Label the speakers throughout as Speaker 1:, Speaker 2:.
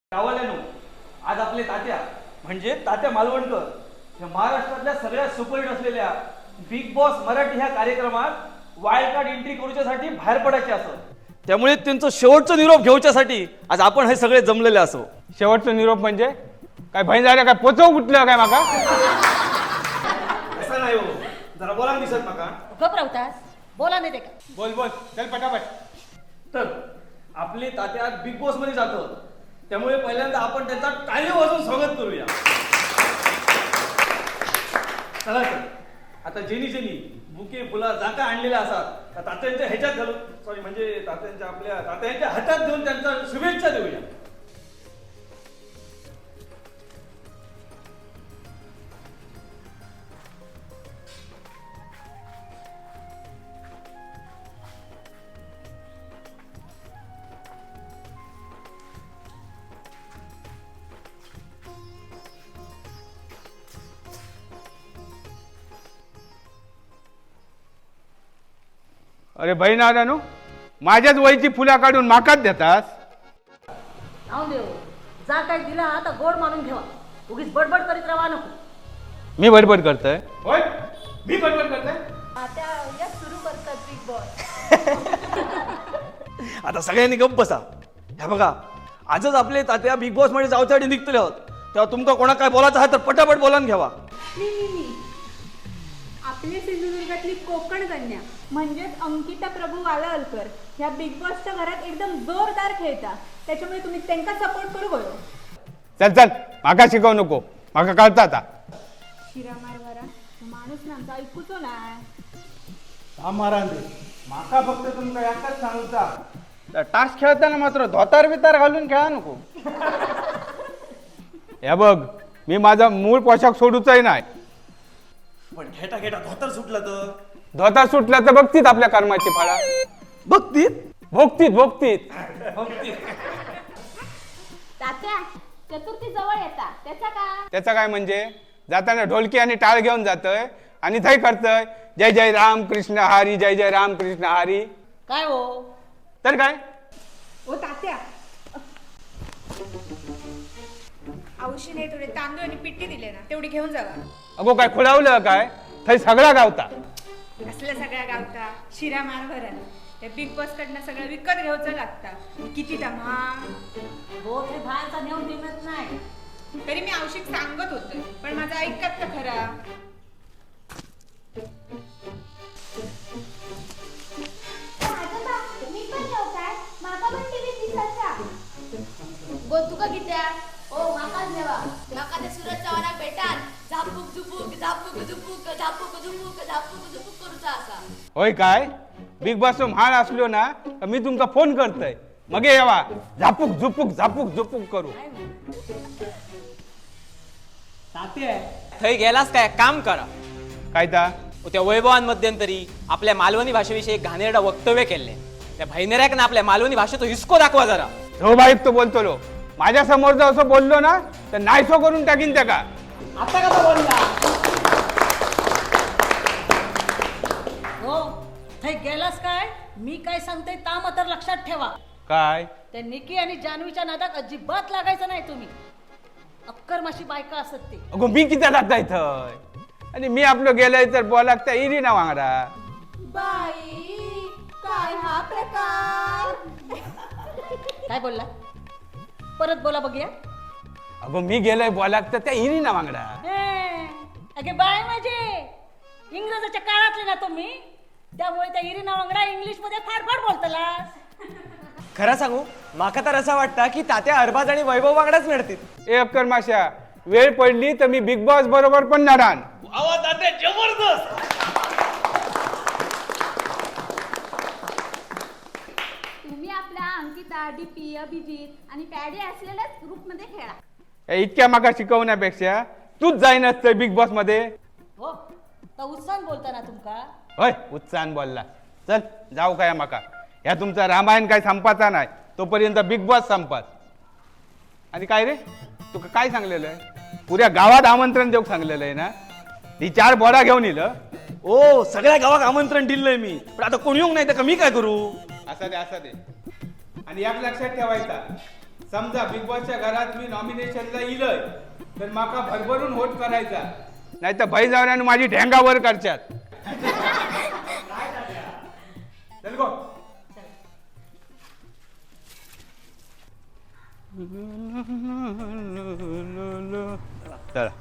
Speaker 1: गावाल्यानो आज आपले तात्या म्हणजे तात्या मालवणकर या महाराष्ट्रातल्या सगळ्यात सुपरहिट असलेल्या बिग बॉस मराठी ह्या कार्यक्रमात वाईल्ड कार्ड एंट्री करूच्यासाठी बाहेर पडायचे असं. त्यामुळे त्यांचं शेवटचं निरोप घेऊच्यासाठी आज आपण हे सगळे जमलेले असो.
Speaker 2: शेवटचा निरोप म्हणजे काय भय झालं काय पोचव कुठलं काय माका
Speaker 1: असं नाही हो, जरा बोला दिसत नका.
Speaker 3: घबरावतास बोला नाही ते का
Speaker 2: बोल बोल चल पटापट.
Speaker 1: तर आपले तात्या बिग बॉस मध्ये जातं, त्यामुळे पहिल्यांदा आपण त्यांचा टाळी वाजवून स्वागत करूया. चला तर आता जेनी बुके फुला जाका आणलेल्या असतात त्या तात्यांच्या ह्याच्यात घालून सॉरी म्हणजे आपल्या तात्यांच्या हातात देऊन त्यांचा शुभेच्छा देऊया.
Speaker 2: अरे बहीण आल्यानो माझ्याच वयची फुला काढून माकाच देतास.
Speaker 3: जाऊन देऊ जा काय दिला आता गोड मानून ठेवा, उगीच बडबड करीत राहा नको.
Speaker 2: मी बडबड करतोय होय, मी बडबड करतोय.
Speaker 3: आता या सुरू करतात बिग बॉस.
Speaker 1: आता सगळ्यांनी गप्प बसा. ह्या बघा आजच आपले तात्या बिग बॉस मध्ये जाऊच्यासाठी निघतले आहोत, तेव्हा तुमका कोणा काय बोलायचं आहे तर पटापट बोलान घ्यावा.
Speaker 4: मी आपल्या सिंधुदुर्गातली कोकण कन्या म्हणजेच अंकिता प्रभू वालावलकर ह्या बिग बॉसच्या घरात एकदम जोरदार खेळता, त्याच्यामुळे तुम्ही त्यांना सपोर्ट करू गयो.
Speaker 2: चल चल माका शिकवू नको, माका कळता आता.
Speaker 4: शिरा मारवारा माणूस ना आमचा ऐकूचो ना.
Speaker 2: माका फक्त तुमका एकच सांगूचा, टास्क खेळताना मात्र धोतार बितार घालून खेळा नको. हे बघ मी माझा मूळ पोशाख सोडूचाही नाही.
Speaker 1: पण घेटा धोतर सुटलं तर
Speaker 2: धोतार सुटला तर बघतीत आपल्या कर्माची फाळा.
Speaker 1: बघतीत
Speaker 2: भोगतीत
Speaker 4: तात्या चतुर्थी जवळ येता त्याचा का
Speaker 2: त्याचं काय म्हणजे जाताना ढोलकी आणि टाळ घेऊन जातोय आणि थंय करतोय जय जय राम कृष्ण हरी, जय जय राम कृष्ण हरी.
Speaker 3: काय हो
Speaker 2: तर काय
Speaker 4: ओ तात्या औषधे थोडे तांदूळ आणि पिट्टी दिले ना तेवढी घेऊन जावा.
Speaker 2: अगो काय खुळावलं काय, थंय सगळा गावता.
Speaker 4: असल्या सगळ्या गावता शिरा मारवारा त्या बिग बॉस कडनं सगळं विकत घ्यायचं लागता. किती धमाल.
Speaker 3: हो ते बाहेरचा नेऊन दिमत नाही.
Speaker 4: तरी मी औषध सांगत होते पण माझं ऐकत तर खरा.
Speaker 5: तुका कित्या ओ माकाच देवा माका ते सूरज चव्हाणाक भेटान झापूक झुपूक झापूक झुपूक झापूक झुपूक झापूक झुपूक करूचा असा.
Speaker 2: होय काय बिग बॉस म्हाळ असलो ना तर मी तुमका फोन करतोय मगे यावा झापूक झुपूक करू.
Speaker 6: थंय गेलास काय काम करा.
Speaker 2: काय ता
Speaker 6: त्या वैभवान मध्यंतरी आपल्या मालवणी भाषेविषयी एक घाणेरडा वक्तव्य केले. त्या भाईनेऱ्याक ना आपल्या मालवणी भाषेचा हिसको दाखवा जरा.
Speaker 2: हो बाईक तो बोलतो लो माझ्या समोर जर असं बोललो ना तर नाहीसो करून टाकीन त्या का.
Speaker 6: आता कसा बोलला
Speaker 3: हो थंय गेलास काय, मी काय सांगते ता मात्र लक्षात ठेवा.
Speaker 2: काय
Speaker 3: त्या निकी आणि जानवीच्या नादात अजिबात लागायचं नाही तुम्ही. अक्कर माशी बायका असत ते.
Speaker 2: अगो मी किती जाता इथं आणि मी आपलं गेलोय तर बोलाक त्या इरी ना वांगडा.
Speaker 5: बाई काय हा प्रकार.
Speaker 3: काय बोलला परत बोला बघूया.
Speaker 2: अगो मी गेलोय बोलाक तर त्या इरी ना वांगडा.
Speaker 3: अगे बाय माझे इंग्रजाच्या काळातले ना तुम्ही, त्यामुळे त्या इरिना वांगडा इंग्लिश मध्ये फाडफाड बोलतलास.
Speaker 6: खरं सांगू माका तर असं वाटतं की तात्या अरबाज आणि वैभव वांगडाच मिळतील.
Speaker 2: ए अक्कर माश्या वेळ पडली तर मी बिग बॉस बरोबर पण नाडान.
Speaker 1: आवाज तात्या जबरदस्त.
Speaker 4: तुम्ही आपल्या अंकिता डीपी अभिजित आणि पॅडी असलेल्याच ग्रुपमध्ये खेळा.
Speaker 2: इतक्या माका शिकवण्यापेक्षा तूच जाईन असतं बिग बॉस मध्ये.
Speaker 3: हो तर उत्साह बोलता ना तुमका.
Speaker 2: होय उत्साहन बोलला. चल जाऊ काय माका ह्या तुमचा रामायण काय संपाचा नाही तोपर्यंत बिग बॉस संपत. आणि काय रे तुका काय सांगलेलं आहे, पुऱ्या गावात आमंत्रण देऊ सांगलेलं आहे ना. ती 4 बोडा घेऊन येईल.
Speaker 1: ओ सगळ्या गावात आमंत्रण दिलंय मी, पण आता कोणी येऊन नाही तर मी काय करू.
Speaker 2: असं दे आणि एक लक्षात ठेवायचा समजा बिग बॉसच्या घरात मी नॉमिनेशनला इलय तर माका भरभरून वोट करायचा, नाही तर भाई जावऱ्यानं माझी ढेंगा वर करच्यात. चल गो. चला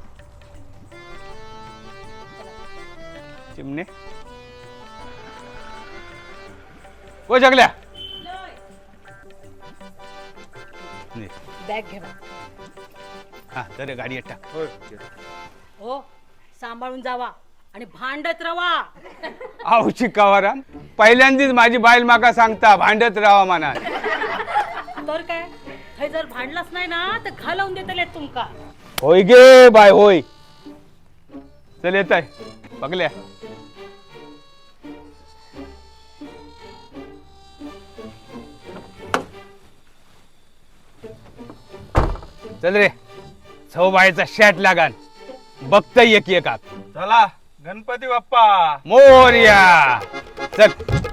Speaker 2: चिमणे ओ जगल्या
Speaker 3: बॅग घे बा.
Speaker 2: हा तर गाडी टाक.
Speaker 3: हो सांभाळून जावा आणि भांडत राहा.
Speaker 2: आऊ चिकावाराम पहिल्यांदीच माझी बाईल माका सांगता भांडत राहा म्हणा.
Speaker 3: तर काय हे जर भांडलाच नाही ना तर घालवून देतले तुमका.
Speaker 2: होय गे बाय होय. चल येत आहे बघल्या. चल रे सौबाईचा शॅट लागान बघता एक एकात.
Speaker 7: चला गणपती बाप्पा
Speaker 2: मोरया. चल